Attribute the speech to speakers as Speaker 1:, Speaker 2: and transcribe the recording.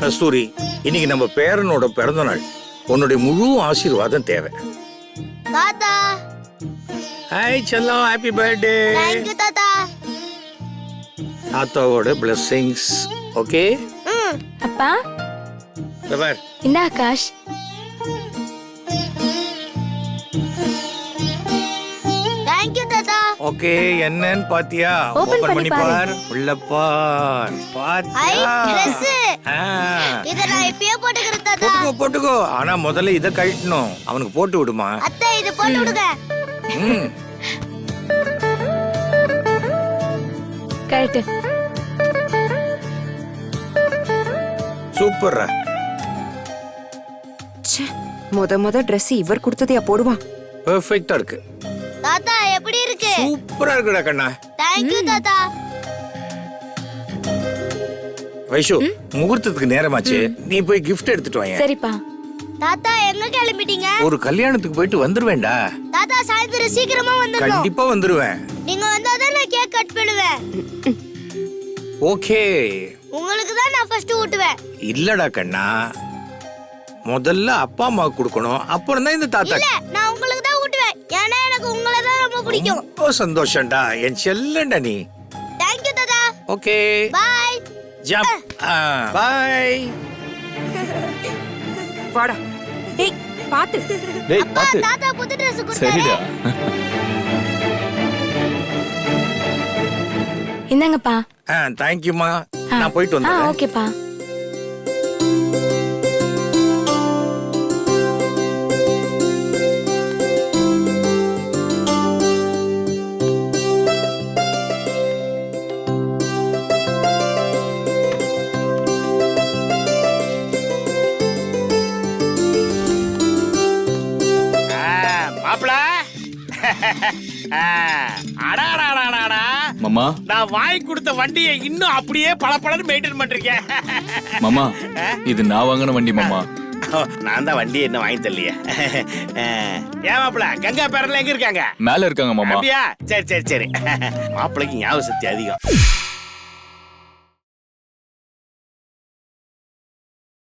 Speaker 1: கஸ்தூரி, இன்னைக்கு நம்ம பேரனோட பிறந்த நாள். உன்னுடைய முழு ஆசீர்வாதம் தேவை.
Speaker 2: தாத்தா
Speaker 1: ஹாய் செல்லம், ஹாப்பி பர்த்டே.
Speaker 2: தேங்க் யூ தாத்தா.
Speaker 1: தாத்தாவோட பிளெஸிங்ஸ். ஓகே
Speaker 3: அப்பா
Speaker 1: பார்.
Speaker 3: இந்த ஆகாஷ்.
Speaker 2: தேங்க் யூ தாத்தா.
Speaker 1: ஓகே, என்னன்னு பாத்தியா?
Speaker 3: Open
Speaker 1: ஓபன்
Speaker 3: பண்ணி
Speaker 1: பண்ணி பார். உள்ள பார்.
Speaker 2: ஐ
Speaker 1: பாத்தியா?
Speaker 2: Dress.
Speaker 1: ஆ.
Speaker 2: இத நான் இப்பயே போட்டுக்கிறேன் தாத்தா.
Speaker 1: போட்டுக்கோ போட்டுக்கோ. ஆனா முதல்ல இத கழட்டணும். அவனுக்கு போட்டு விடுமா.
Speaker 2: அத்தை இது போட்டு விடுங்க.
Speaker 1: ம்.
Speaker 3: கரெக்ட்.
Speaker 1: சூப்பர்ரா.
Speaker 4: முத Dress இவர் கொடுத்ததையா போடுவான்?
Speaker 1: பெர்ஃபெக்ட்டா இருக்கு.
Speaker 2: தாத்தா எப்படி இருக்கு?
Speaker 1: சூப்பரா இருக்குடா கண்ணா.
Speaker 2: தேங்க் யூ தாத்தா.
Speaker 1: வைஷு, முகூர்த்தத்துக்கு நேரமாச்சு. நீ போய் gift எடுத்துட்டு வாங்க.
Speaker 3: சரிப்பா.
Speaker 2: தாத்தா எங்க கிளம்பிட்டீங்க?
Speaker 1: ஒரு கல்யாணத்துக்கு போயிட்டு வந்துருவேன்டா.
Speaker 2: தாத்தா சாயந்தரம் சீக்கிரமா வந்துடணும்.
Speaker 1: கண்டிப்பா வந்துருவேன்.
Speaker 2: நீங்க வந்தாதான் நான் கேக் கட் பண்ணுவேன்.
Speaker 1: ஓகே.
Speaker 2: உங்களுக்கு தான் நான் ஃபர்ஸ்ட் ஊட்டுவேன்.
Speaker 1: இல்லடா கண்ணா, முதல்ல அப்பா அம்மாவுக்கு கொடுக்கணும், அப்புறம் தான் இந்த தாத்தா.
Speaker 2: இல்ல நான் உங்களுக்கு தான் ஊட்டுவேன். ஏன்னா எனக்கு உங்களை தான் ரொம்ப பிடிக்கும்.
Speaker 1: ரொம்ப சந்தோஷம்டா, என் செல்லண்டா நீ.
Speaker 2: தேங்க் யூ தாத்தா.
Speaker 1: Okay
Speaker 2: bye.
Speaker 1: ஜம்ப். பை.
Speaker 4: வாடா. டேய் பாத்து.
Speaker 5: டேய்
Speaker 2: அப்பா
Speaker 5: பாத்து.
Speaker 2: தாத்தா புது Dress
Speaker 5: சரிடா.
Speaker 2: கொடுத்தாரு.
Speaker 3: இந்தாங்கப்பா.
Speaker 1: தேங்க்யூமா. நான் போயிட்டு வந்துடுறேன்.
Speaker 3: ஓகேப்பா.
Speaker 6: மாப்பிள அடாடாடாடா
Speaker 5: மாமா
Speaker 6: நான் வாங்கி கொடுத்த வண்டியை இன்னும் அப்படியே பளபளன்னு மெயின்டைன் பண்றீங்க.
Speaker 5: மாமா இது நான் வாங்கின வண்டி மாமா.
Speaker 6: நான் தான் வண்டி என்ன வாங்கி தரலையே. ஏன் மாப்பிள கங்கா பேரன்ல எங்க இருக்காங்க?
Speaker 5: மேல இருக்காங்க மாமா.
Speaker 6: அப்படியா? சரி சரி சரி. மாப்பிளைக்கு ஞாபக சக்தி அதிகம்.